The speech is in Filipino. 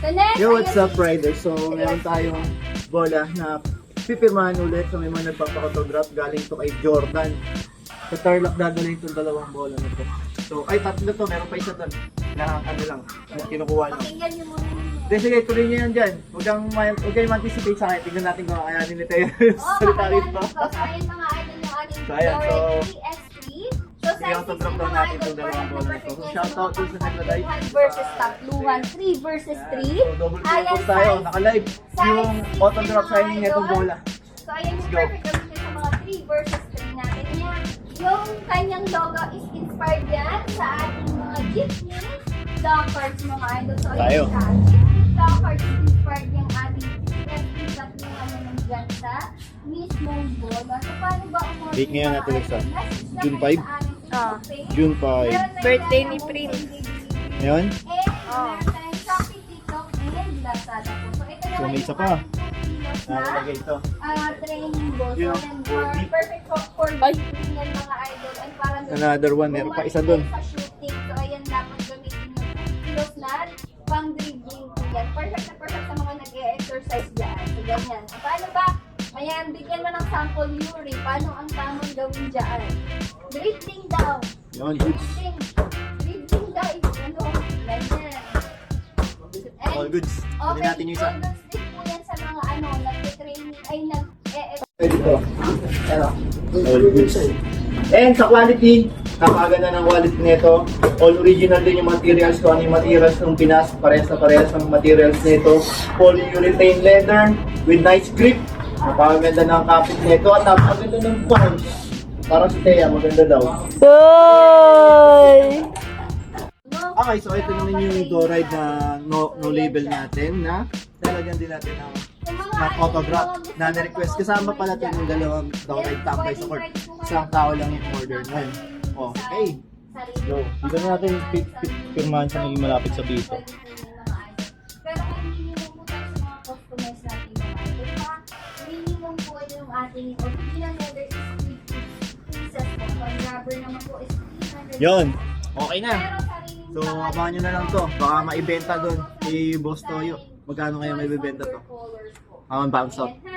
So next, Yo, what's up, Rider? So, meron tayong bola na pipirmahan ulit sa may mga nagpapakotograph galing to kay Jordan. Sa Tarlac dadalhin itong dalawang bola na to. So, ay tatlo to, meron pa isa doon. Na ano lang, na kinukuha lang. pakinggan nyo muna ninyo. Sige, sige, tuloy niyo yan dyan. Huwag kayong anticipate sa akin. Tingnan natin kung kakayanin nito yung salita rito. So, ayan mga idol yung ating So, ayan, so, EX3. So, sige, sizes autograph ng daw mga natin idol itong dalawang for bola na to. So, perfect shoutout dun sa nagla-live. Luhan versus Luhan 3 versus 3. So, double purpose tayo. Naka-live yung autograph signing nitong bola. So, ayan yung Let's go. perfect gamitin sa mga 3 versus 3 natin. Yan. Yung kanyang logo is inspired yan sa ating mga jeepney dog cards mga idol. So, Tayo. ayan siya. Jeepney dog cards is inspired yung ating FP na naman dyan sa mismong bola. So, paano ba ang mga Date ngayon natin, Alexa. June 5? Ah. June 5. Birthday ni Prince. Ngayon? And meron tayong Shopee, TikTok, and Lazada po. So, ito So, naman may isa pa. kilos na Nakalagay ito. training ball. So, Yun, yan, body. perfect for Ay. shooting yan mga idol. And parang Another one. Meron pa isa doon. Sa shooting. So, ayan, dapat gamitin yung kilos na pang dribbling po yan. Perfect na perfect sa mga nag-e-exercise dyan. So, ganyan. So, paano ba? Ayan, bigyan mo ng sample Yuri. Paano ang tamang gawin dyan? Dribbling daw. Yun. Dribbling. Dribbling daw. Ano? Ganyan. And All goods. Kunin natin yung isa. all goods din po yan sa mga nag-training ay Pwede ito. Ano? All goods. And sa quality, napakaganda ng quality nito. All original din yung materials ko. Ano yung materials ng Pinas. Parehas na parehas ng materials nito. Polyurethane leather with nice grip. Napakaganda ng kapit nito. At napakaganda ng punch. Parang si Thea, maganda daw. Hoy! Okay, so ito naman yung door ride na no label natin na lalagyan din natin ng autograph na na-request. Kasama pala ito yung dalawang door ride tambay sa court. Isang tao lang yung order nun. Okay, go. Dito na natin pirmahan sa naging malapit sa dito. Pero kung minimum po tayo sa mga customers natin mga idol, minimum po yung ating original leather is 3 pieces po. Ang rubber naman po is 300. Yun, okay na. Pero sarili So, abangan nyo na lang to. Baka maibenta doon kay Boss Toyo. Magkano kaya may bibenta to? Bounce out.